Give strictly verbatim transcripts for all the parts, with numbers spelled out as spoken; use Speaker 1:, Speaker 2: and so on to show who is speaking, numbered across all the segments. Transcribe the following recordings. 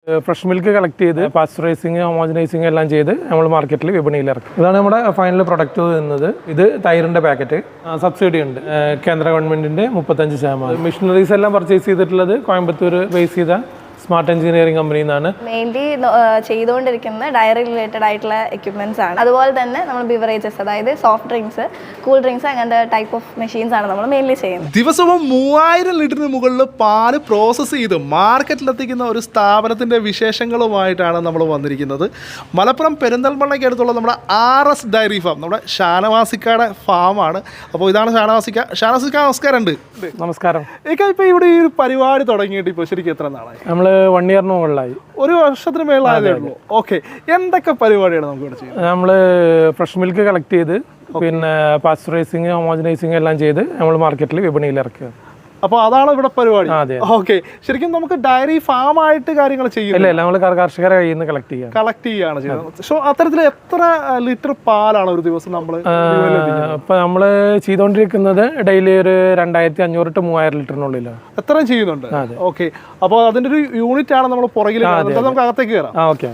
Speaker 1: Fresh milk collect ചെയ്ത് പാസ്ചറൈസിങ് ഹോമോജനൈസിങ് എല്ലാം ചെയ്ത് നമ്മൾ മാർക്കറ്റിൽ വിപണിയിൽ ഇറക്കും. ഇതാണ് നമ്മുടെ ഫൈനൽ പ്രൊഡക്റ്റ് വരുന്നത്. ഇത് തൈരിൻ്റെ പാക്കറ്റ്. സബ്സിഡി ഉണ്ട് കേന്ദ്ര ഗവൺമെൻറ്റിൻ്റെ മുപ്പത്തഞ്ച് ശതമാനം. മെഷീനറീസ് എല്ലാം പർച്ചേസ് ചെയ്തിട്ടുള്ളത് കോയമ്പത്തൂർ ബേസ് ചെയ്ത സ്മാർട്ട് എഞ്ചിനീയറിംഗ് കമ്പനിയിൽ നിന്നാണ്.
Speaker 2: മെയിൻലി ചെയ്തുകൊണ്ടിരിക്കുന്ന ഡയറി റിലേറ്റഡ് ആയിട്ടുള്ള എക്യുപ്മെന്റ്സ് ആണ്. അതുപോലെ തന്നെ നമ്മൾ ബിവറേജസ്, അതായത് സോഫ്റ്റ് ഡ്രിങ്ക്സ്, കൂൾ ഡ്രിങ്ക്സ്, അങ്ങനത്തെ ടൈപ്പ് ഓഫ് മെഷീൻസ് ആണ് നമ്മൾ മെയിൻലി ചെയ്യുന്നത്.
Speaker 3: ദിവസവും മൂവായിരം ലിറ്ററിന് മുകളിൽ പാല് പ്രോസസ്സ് ചെയ്ത് മാർക്കറ്റിലെത്തിക്കുന്ന ഒരു സ്ഥാപനത്തിന്റെ വിശേഷങ്ങളുമായിട്ടാണ് നമ്മൾ വന്നിരിക്കുന്നത്. മലപ്പുറം പെരിന്തൽമണ്ണയ്ക്ക് അടുത്തുള്ള നമ്മുടെ ആർ എസ് ഡയറി ഫാം, നമ്മുടെ ഷാനവാസിക്കയുടെ ഫാമാണ്. അപ്പോൾ ഇതാണ് ഷാനവാസിക്ക. ഷാനവാസിക്ക നമസ്കാരം. ഉണ്ട്
Speaker 1: നമസ്കാരം.
Speaker 3: ഇക്ക, ഇപ്പോൾ ഇവിടെ ഈ ഒരു പരിപാടി തുടങ്ങിയിട്ട് ഇപ്പോൾ ശരിക്കും എത്ര നാളായി?
Speaker 1: നമ്മൾ വൺ ഇയറിന് മുകളിലായി.
Speaker 3: ഒരു വർഷത്തിന് മേളായതേ ഉള്ളൂ. ഓക്കെ, എന്തൊക്കെ പരിപാടിയാണ് നമുക്ക് ഇവിടെ ചെയ്യുന്നത്?
Speaker 1: നമ്മൾ ഫ്രഷ് മിൽക്ക് കളക്ട് ചെയ്ത് പിന്നെ പാസ്ചറൈസിങ് ഹോമോജനൈസിങ് എല്ലാം ചെയ്ത് നമ്മൾ മാർക്കറ്റിൽ വിപണിയിൽ ഇറക്കുക.
Speaker 3: അപ്പോൾ അതാണ് ഇവിടെ പരിപാടി.
Speaker 1: അതെ.
Speaker 3: ഓക്കെ, ശരിക്കും നമുക്ക് ഡയറി ഫാം ആയിട്ട് കാര്യങ്ങൾ ചെയ്യുന്നില്ല,
Speaker 1: നമ്മൾ കർഷകരെ കയ്യിൽ നിന്ന് കളക്ട് ചെയ്യാം
Speaker 3: കളക്ട് ചെയ്യാണ് ചെയ്യുന്നത്. സോ അത്തരത്തിൽ എത്ര ലിറ്റർ പാലാണ് ഒരു ദിവസം നമ്മൾ
Speaker 1: ഇപ്പൊ നമ്മൾ ചെയ്തുകൊണ്ടിരിക്കുന്നത്? ഡെയിലി ഒരു രണ്ടായിരത്തി അഞ്ഞൂറ് ടു മൂവായിരം ലിറ്ററിനുള്ളിലാണ്
Speaker 3: എത്രയും ചെയ്യുന്നുണ്ട്. ഓക്കെ, അപ്പോൾ അതിന്റെ ഒരു യൂണിറ്റ് ആണ് നമ്മൾ പുറകിൽ. നമുക്ക് അകത്തേക്ക് കയറാം.
Speaker 1: ഓക്കെ.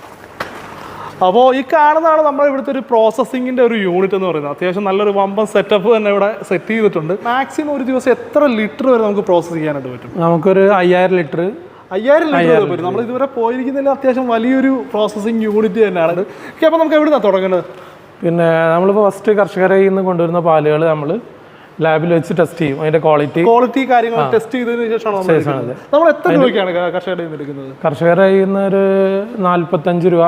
Speaker 3: അപ്പോൾ ഈ കാണുന്നതാണ് നമ്മുടെ ഇവിടുത്തെ ഒരു പ്രോസസ്സിങ്ങിന്റെ ഒരു യൂണിറ്റ് എന്ന് പറയുന്നത്. അത്യാവശ്യം നല്ലൊരു വമ്പൻ സെറ്റപ്പ് തന്നെ ഇവിടെ സെറ്റ് ചെയ്തിട്ടുണ്ട്. മാക്സിമം ഒരു ദിവസം എത്ര ലിറ്റർ വരെ നമുക്ക് പ്രോസസ്സ് ചെയ്യാനായിട്ട് പറ്റും?
Speaker 1: നമുക്കൊരു അയ്യായിരം ലിറ്റർ
Speaker 3: അയ്യായിരം ലിറ്റർ പറ്റും. നമ്മൾ ഇതുവരെ പോയിരിക്കുന്നതിൽ അത്യാവശ്യം വലിയൊരു പ്രോസസ്സിങ് യൂണിറ്റ് തന്നെയാണ്. അപ്പോൾ നമുക്ക് എവിടുന്നാണ് തുടങ്ങുന്നത്?
Speaker 1: പിന്നെ നമ്മളിപ്പോൾ ഫസ്റ്റ് കർഷകരെ നിന്ന് കൊണ്ടുവരുന്ന പാലുകൾ നമ്മൾ ലാബിൽ വെച്ച് ടെസ്റ്റ് ചെയ്യും. അതിന്റെ ക്വാളിറ്റി
Speaker 3: ക്വാളിറ്റി കാര്യങ്ങൾ ടെസ്റ്റ് ചെയ്തതിനു ശേഷമാണ് നമ്മൾ എത്ര രൂപയ്ക്കാണ് കർഷകരുടെ നിന്ന് എടുക്കുന്നത്?
Speaker 1: കർഷകരെ നിന്ന് ഒരു നാല്പത്തഞ്ച് രൂപ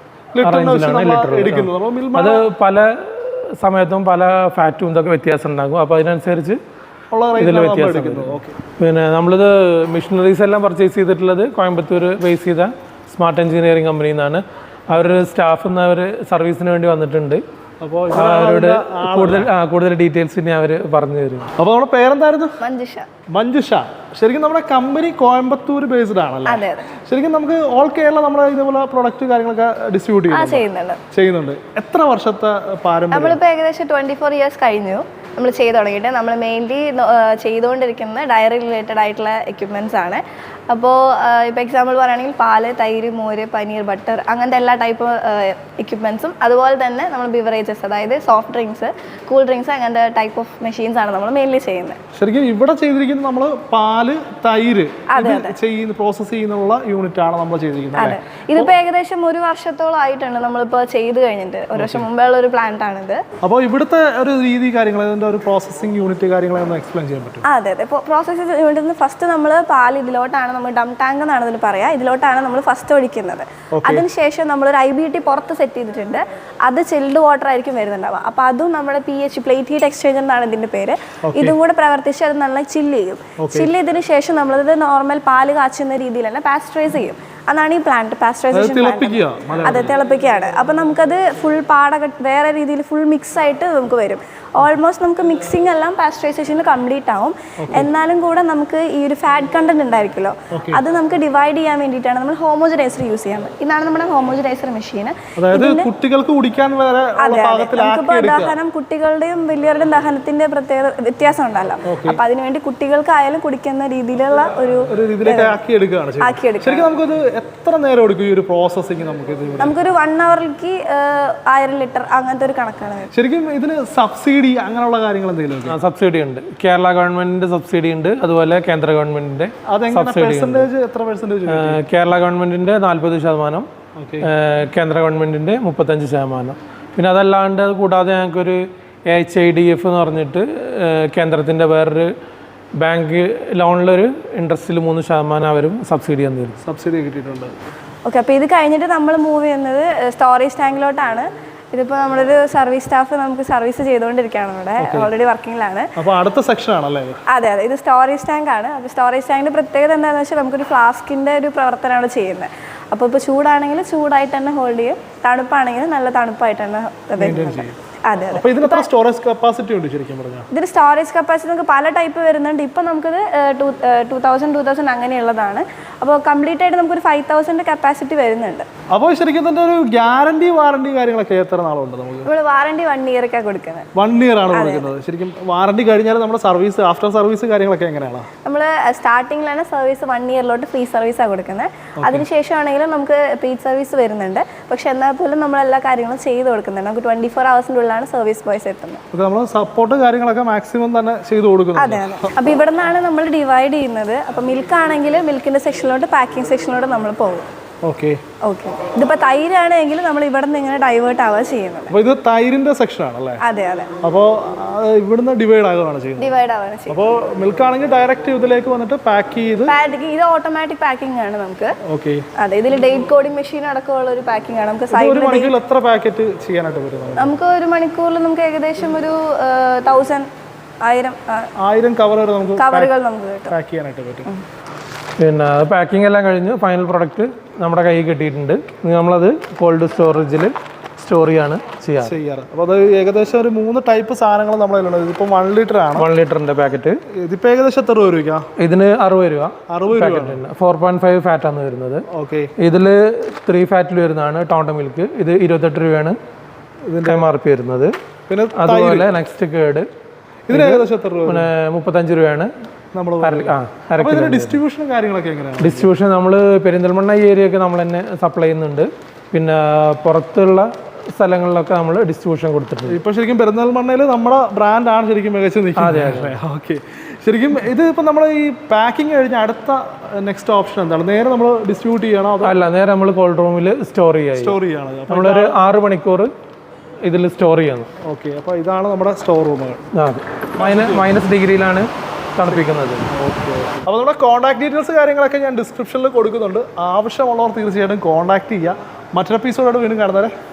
Speaker 1: എടുക്കുന്നത്. അത് പല സമയത്തും പല ഫാറ്റും ഇതൊക്കെ വ്യത്യാസം ഉണ്ടാകും. അപ്പോൾ അതിനനുസരിച്ച് ഇതിൽ വ്യത്യാസം. പിന്നെ നമ്മളിത് മെഷീനറീസ് എല്ലാം പർച്ചേസ് ചെയ്തിട്ടുള്ളത് കോയമ്പത്തൂർ ബേസ് ചെയ്ത സ്മാർട്ട് എഞ്ചിനീയറിംഗ് കമ്പനിയിൽ നിന്നാണ്. അവരുടെ സ്റ്റാഫ് ഇന്ന് അവർ സർവീസിന് വേണ്ടി വന്നിട്ടുണ്ട്. അപ്പോൾ അവരോട് കൂടുതൽ കൂടുതൽ ഡീറ്റെയിൽസ് ഇനി അവർ പറഞ്ഞു തരും.
Speaker 3: അപ്പോൾ നമ്മുടെ പേരെന്തായിരുന്നു?
Speaker 2: മഞ്ജുഷ.
Speaker 3: മഞ്ജുഷ. ശരിക്കും നമ്മുടെ കമ്പനി കോയമ്പത്തൂർ ബേസ്ഡ് ആണല്ലേ? ശരിക്കും നമുക്ക് ഓൾ കേരള നമ്മുടെ ഇതുപോലെ പ്രൊഡക്റ്റ് കാര്യങ്ങളൊക്കെ ഡിസ്ട്രിബ്യൂട്ട് ചെയ്യുന്നുണ്ട് ചെയ്യുന്നുണ്ട് എത്ര വർഷത്തെ പാരമ്പര്യം?
Speaker 2: നമ്മളിപ്പോൾ ഏകദേശം ട്വന്റി ഫോർ ഇയേഴ്സ് കഴിഞ്ഞു നമ്മൾ ചെയ്ത് തുടങ്ങിയിട്ട്. നമ്മൾ മെയിൻലി ചെയ്തുകൊണ്ടിരിക്കുന്ന ഡയറി റിലേറ്റഡ് ആയിട്ടുള്ള എക്യുപ്മെന്റ്സ് ആണ്. അപ്പോൾ ഇപ്പോൾ എക്സാമ്പിൾ പറയുകയാണെങ്കിൽ പാല്, തൈര്, മോര്, പനീർ, ബട്ടർ, അങ്ങനത്തെ എല്ലാ ടൈപ്പ് എക്യുപ്മെന്റ്സും, അതുപോലെ തന്നെ നമ്മൾ ബിവറേജസ്, അതായത് സോഫ്റ്റ് ഡ്രിങ്ക്സ്, കൂൾ ഡ്രിങ്ക്സ്, അങ്ങനത്തെ ടൈപ്പ് ഓഫ് മെഷീൻസ് ആണ് നമ്മൾ മെയിൻലി ചെയ്യുന്നത്.
Speaker 3: ശരിക്കും ഇവിടെ ചെയ്തിരിക്കുന്നത് നമ്മൾ പാല്, തൈര് ചെയ്യുന്ന പ്രോസസ് ചെയ്യുന്നുള്ള യൂണിറ്റ് ആണ് നമ്മൾ ചെയ്തിരിക്കുന്നത്.
Speaker 2: അതെ, ഇതിപ്പോൾ ഏകദേശം ഒരു വർഷത്തോളം ആയിട്ടുണ്ട് നമ്മളിപ്പോൾ ചെയ്ത് കഴിഞ്ഞിട്ട്. ഒരു വർഷം മുമ്പേ ഉള്ള ഒരു പ്ലാന്റ് ആണിത്.
Speaker 3: അപ്പോൾ ഇവിടുത്തെ ഒരു രീതി കാര്യങ്ങൾ, ഇതിന്റെ ഒരു പ്രോസസ്സിംഗ് യൂണിറ്റ് കാര്യങ്ങളൊന്ന് എക്സ്പ്ലെയിൻ ചെയ്യാൻ പറ്റും?
Speaker 2: അതെ അതെ. ഇപ്പോൾ പ്രോസസ്സിംഗ് യൂണിറ്റിൽ ഫസ്റ്റ് നമ്മൾ പാല് ഇതിലോട്ടാണ്, നമ്മൾ ഡം ടാങ്ക് എന്നാണ് ഇതിന് പറയാം, ഇതിലോട്ടാണ് നമ്മൾ ഫസ്റ്റ് ഒഴിക്കുന്നത്. അതിനുശേഷം നമ്മളൊരു ഐ ബി ടി പുറത്ത് സെറ്റ് ചെയ്തിട്ടുണ്ട്. അത് ചിൽഡ് വാട്ടർ ആയിരിക്കും വരുന്നുണ്ടാവുക. അപ്പോൾ അതും നമ്മുടെ P H plate heat exchanger എന്നാണ് ഇതിന്റെ പേര്. ഇതും കൂടെ പ്രവർത്തിച്ച് അത് നല്ല ചില്ല് ചെയ്യും. ചില്ല് ചെയ്തതിനു ശേഷം നമ്മളത് നോർമൽ പാല് കാച്ചുന്ന രീതിയിൽ തന്നെ പാസ്ചറൈസ് ചെയ്യും. അതാണ് ഈ പ്ലാന്റ്, പാസ്ചറൈസേഷൻ പ്ലാന്റ്. അതെ, തിളപ്പിക്കുകയാണ്. അപ്പം നമുക്കത് ഫുൾ പാട വേറെ രീതിയിൽ ഫുൾ മിക്സ് ആയിട്ട് നമുക്ക് വരും. ഓൾമോസ്റ്റ് നമുക്ക് മിക്സിംഗ് എല്ലാം പാസ്ചറൈസേഷനിൽ കംപ്ലീറ്റ് ആവും. എന്നാലും കൂടെ നമുക്ക് ഈ ഒരു ഫാറ്റ് കണ്ടന്റ് ഉണ്ടായിരിക്കുമല്ലോ, അത് നമുക്ക് ഡിവൈഡ് ചെയ്യാൻ വേണ്ടിയിട്ടാണ് നമ്മൾ ഹോമോജനൈസർ യൂസ് ചെയ്യുന്നത്. ഇതാണ് നമ്മുടെ ഹോമോജനൈസർ മെഷീൻ.
Speaker 3: കുട്ടികൾക്ക് കുടിക്കാൻ വരെ
Speaker 2: അതെ അതെ. നമുക്കിപ്പോൾ ദഹനം, കുട്ടികളുടെയും വലിയവരുടെയും ദഹനത്തിന്റെ പ്രത്യേക വ്യത്യാസം ഉണ്ടല്ലോ. അപ്പൊ അതിനുവേണ്ടി കുട്ടികൾക്കായാലും കുടിക്കുന്ന രീതിയിലുള്ള ഒരു ആക്കിയെടുക്കുക.
Speaker 3: എത്ര നേരം എടുക്കും ഈ ഒരു പ്രോസസ്സിംഗ്? നമുക്ക്
Speaker 2: നമുക്കൊരു വൺ അവറിലേക്ക് ആയിരം ലിറ്റർ അങ്ങനത്തെ ഒരു കണക്കാണ്.
Speaker 3: ശരിക്കും ഇതിന് സബ്സിഡി അങ്ങനെയുള്ള കാര്യങ്ങൾ എന്തെങ്കിലും?
Speaker 1: സബ്സിഡി ഉണ്ട്. കേരള ഗവൺമെന്റിന്റെ സബ്സിഡി ഉണ്ട്, അതുപോലെ കേന്ദ്ര ഗവൺമെന്റിന്റെ സബ്സിഡി.
Speaker 3: എത്ര പെർസെന്റേജ്?
Speaker 1: കേരള ഗവൺമെന്റിന്റെ നാല്പത് ശതമാനം, കേന്ദ്ര ഗവൺമെന്റിന്റെ മുപ്പത്തഞ്ച് ശതമാനം. പിന്നെ അതല്ലാണ്ട് അത് കൂടാതെ ഞങ്ങൾക്കൊരു എച്ച് ഐ ഡി എഫ് എന്ന് പറഞ്ഞിട്ട് കേന്ദ്രത്തിന്റെ വേറൊരു ബാങ്ക് ലോണിലൊരു ഇൻട്രസ്റ്റിൽ മൂന്ന് ശതമാനം അവരും സബ്സിഡി തന്നിരുന്നു.
Speaker 3: സബ്സിഡി കിട്ടിയിട്ടുണ്ട്.
Speaker 2: ഓക്കെ, അപ്പോൾ ഇത് കഴിഞ്ഞിട്ട് നമ്മൾ മൂവ് ചെയ്യുന്നത് സ്റ്റോറേജ് ടാങ്കിലോട്ടാണ്. ഇതിപ്പോൾ നമ്മളൊരു സർവീസ് സ്റ്റാഫ് നമുക്ക് സർവീസ് ചെയ്തുകൊണ്ടിരിക്കുകയാണ് ഇവിടെ, ഓൾറെഡി വർക്കിങ്ങിലാണ്.
Speaker 3: അപ്പോൾ അടുത്ത സെക്ഷൻ ആണല്ലേ?
Speaker 2: അതെ അതെ. ഇത് സ്റ്റോറേജ് ടാങ്ക് ആണ്. അപ്പോൾ സ്റ്റോറേജ് ടാങ്കിന്റെ പ്രത്യേകത എന്താണെന്ന് വെച്ചാൽ നമുക്കൊരു ഫ്ലാസ്കിന്റെ ഒരു പ്രവർത്തനമാണ് ചെയ്യുന്നത്. അപ്പോൾ ഇപ്പോൾ ചൂടാണെങ്കിൽ ചൂടായിട്ട് തന്നെ ഹോൾഡ് ചെയ്യും, തണുപ്പാണെങ്കിൽ നല്ല തണുപ്പായിട്ട് തന്നെ. അതെ അതെ
Speaker 3: അപ്പോൾ ഇതിന് എത്ര സ്റ്റോറേജ് കപ്പാസിറ്റി ഉണ്ട് ശരിക്കും പറഞ്ഞാൽ?
Speaker 2: ഇതിന് സ്റ്റോറേജ് കപ്പാസിറ്റി നമുക്ക് പല ടൈപ്പ് വരുന്നുണ്ട്. ഇപ്പം നമുക്കിത് two two thousand two thousand അങ്ങനെയുള്ളതാണ്. അപ്പോൾ കംപ്ലീറ്റ് ആയിട്ട് നമുക്കൊരു ഫൈവ് തൗസൻഡ് കപ്പാസിറ്റി വരുന്നുണ്ട്.
Speaker 3: അപ്പോൾ ശരിക്കും തന്നെ ഒരു ഗ്യാരണ്ടി വാറണ്ടി കാര്യങ്ങളൊക്കെ എത്ര നാളുണ്ട് നമുക്ക്?
Speaker 2: നമ്മൾ വാറണ്ടി വൺ ഇയറൊക്കെ കൊടുക്കുന്നത്.
Speaker 3: വൺ ഇയർ ആണ് കൊടുക്കുന്നത്. ശരിക്കും വാറണ്ടി കഴിഞ്ഞാൽ നമ്മുടെ സർവീസ് ആഫ്റ്റർ സർവീസ് കാര്യങ്ങളൊക്കെ എങ്ങനെയാണ്?
Speaker 2: നമ്മൾ സ്റ്റാർട്ടിങ്ങിലാണ് സർവീസ് വൺ ഇയറിലോട്ട് ഫ്രീ സർവീസാണ് കൊടുക്കുന്നത്. അതിനുശേഷമാണെങ്കിലും നമുക്ക് പെയ്ഡ് സർവീസ് വരുന്നുണ്ട്. പക്ഷെ എന്നാൽ പോലും നമ്മൾ എല്ലാ കാര്യങ്ങളും ചെയ്ത് കൊടുക്കുന്നുണ്ട്. നമുക്ക് ട്വന്റി ഫോർ ഹവേഴ്സിൻ്റെ ഉള്ളിലാണ് സർവീസ് ബോയ്സ് എത്തുന്നത്.
Speaker 3: നമ്മൾ സപ്പോർട്ട് കാര്യങ്ങളൊക്കെ മാക്സിമം തന്നെ ചെയ്ത് കൊടുക്കുന്നു.
Speaker 2: അതെ അതെ. അപ്പോൾ ഇവിടെ നിന്നാണ് നമ്മൾ ഡിവൈഡ് ചെയ്യുന്നത്. അപ്പോൾ മിൽക്ക് ആണെങ്കിൽ മിൽക്കിൻ്റെ സെക്ഷനിലോട്ട് പാക്കിംഗ് സെക്ഷനിലോട്ട് നമ്മൾ പോകും.
Speaker 3: Okay
Speaker 2: okay. ഇതിപ്പോൾ തൈരാണെങ്കിൽ നമ്മൾ ഇവിടെ നിന്ന് ഇങ്ങനെ ഡൈവേർട്ട് ആവുക ചെയ്യുന്നത്.
Speaker 3: അപ്പോൾ ഇത് തൈരിന്റെ സെക്ഷൻ ആണല്ലേ?
Speaker 2: അതെ അതെ.
Speaker 3: അപ്പോൾ ഇവിടുന്ന് ഡിവൈഡ് ആകുകയാണ് ചെയ്യുന്നത്.
Speaker 2: ഡിവൈഡ് ആവുകയാണ് ചെയ്യുന്നത്.
Speaker 3: അപ്പോൾ മിൽക്ക് ആണെങ്കിൽ ഡയറക്റ്റ് ഇതിലേക്ക് വന്നിട്ട് പാക്ക് ചെയ്ത്
Speaker 2: പാക്കിംഗ് ഇത് ഓട്ടോമാറ്റിക് പാക്കിംഗ് ആണ് നമുക്ക്.
Speaker 3: ഓക്കെ.
Speaker 2: അതെ, ഇതിൽ ഡേറ്റ് കോഡിംഗ് മെഷീൻ അടക്കമുള്ള ഒരു പാക്കിംഗ് ആണ്. നമുക്ക്
Speaker 3: ഒരു
Speaker 2: സൈഡിൽ
Speaker 3: മണിക്കൂറിൽ എത്ര പാക്കറ്റ് ചെയ്യാനായിട്ട് വരുന്നത്?
Speaker 2: നമുക്ക് ഒരു മണിക്കൂറിൽ നമുക്ക് ഏകദേശം ഒരു തൗസൻഡ് ആയിരം
Speaker 3: ആയിരം കവർ വരെ നമുക്ക്
Speaker 2: കവറുകൾ നമുക്ക് കിട്ടും
Speaker 3: പാക്ക് ചെയ്യാനായിട്ട് പറ്റും.
Speaker 1: പിന്നെ പാക്കിംഗ് എല്ലാം കഴിഞ്ഞ് ഫൈനൽ പ്രൊഡക്റ്റ് നമ്മുടെ കയ്യിൽ കിട്ടിയിട്ടുണ്ട്. ഇനി നമ്മളത് കോൾഡ് സ്റ്റോറേജിൽ സ്റ്റോർ ചെയ്യാണ് ചെയ്യാറ്
Speaker 3: ചെയ്യാറ് അപ്പോൾ അത് ഏകദേശം ഒരു മൂന്ന് ടൈപ്പ് സാധനങ്ങൾ നമ്മളതിലുണ്ട്. ഇതിപ്പോൾ വൺ ലിറ്റർ ആണ്.
Speaker 1: വൺ ലിറ്ററിൻ്റെ പാക്കറ്റ്
Speaker 3: ഇതിപ്പോൾ ഏകദേശം എത്ര രൂപ രൂപ?
Speaker 1: ഇതിന് അറുപത് രൂപ.
Speaker 3: അറുപത് രൂപ.
Speaker 1: ഫോർ പോയിന്റ് ഫൈവ് ഫാറ്റാണ് വരുന്നത്.
Speaker 3: ഓക്കെ.
Speaker 1: ഇതിൽ ത്രീ ഫാറ്റിൽ വരുന്നതാണ് ടൗണ്ട മിൽക്ക്. ഇത് ഇരുപത്തെട്ട് രൂപയാണ് ഇതിൻ്റെ എം ആർ പി വരുന്നത്. പിന്നെ അതുപോലെ നെക്സ്റ്റ് കേട്
Speaker 3: ഇതിന് ഏകദേശം എത്ര രൂപ?
Speaker 1: പിന്നെ മുപ്പത്തഞ്ച് രൂപയാണ് നമ്മൾ
Speaker 3: ഡിസ്ട്രിബ്യൂഷൻ കാര്യങ്ങളൊക്കെ എങ്ങനെയാണ്?
Speaker 1: ഡിസ്ട്രിബ്യൂഷൻ നമ്മൾ പെരിന്തൽമണ്ണ ഈ ഏരിയയൊക്കെ നമ്മൾ തന്നെ സപ്ലൈ ചെയ്യുന്നുണ്ട്. പിന്നെ പുറത്തുള്ള സ്ഥലങ്ങളിലൊക്കെ നമ്മൾ ഡിസ്ട്രിബ്യൂഷൻ കൊടുത്തിട്ടുണ്ട്.
Speaker 3: ഇപ്പോൾ ശരിക്കും പെരിന്തൽമണ്ണയിൽ നമ്മുടെ ബ്രാൻഡാണ് ശരിക്കും മികച്ചു നിൽക്കുന്നത്. ഓക്കെ. ശരിക്കും ഇത് ഇപ്പം നമ്മൾ ഈ പാക്കിംഗ് കഴിഞ്ഞ അടുത്ത നെക്സ്റ്റ് ഓപ്ഷൻ എന്താണ്? നേരെ നമ്മൾ ഡിസ്ട്രിബ്യൂട്ട് ചെയ്യണോ?
Speaker 1: അല്ല, നേരെ നമ്മൾ കോൾഡ് റൂമിൽ സ്റ്റോർ ചെയ്യാം.
Speaker 3: സ്റ്റോർ ചെയ്യണം.
Speaker 1: നമ്മളൊരു ആറ് മണിക്കൂർ ഇതിൽ സ്റ്റോർ ചെയ്യണം.
Speaker 3: ഓക്കെ. അപ്പോൾ ഇതാണ് നമ്മുടെ സ്റ്റോർ റൂമുകൾ.
Speaker 1: അതെ, മൈനസ് മൈനസ് ഡിഗ്രിയിലാണ് തണുപ്പിക്കുന്നത്.
Speaker 3: ഓക്കെ. അപ്പോൾ നമ്മുടെ കോൺടാക്ട് ഡീറ്റെയിൽസ് കാര്യങ്ങളൊക്കെ ഞാൻ ഡിസ്ക്രിപ്ഷനിൽ കൊടുക്കുന്നുണ്ട്. ആവശ്യമുള്ളവർ തീർച്ചയായിട്ടും കോൺടാക്ട് ചെയ്യുക. മറ്റൊരു എപ്പിസോഡോട് വീണ്ടും കാണുന്നവരെ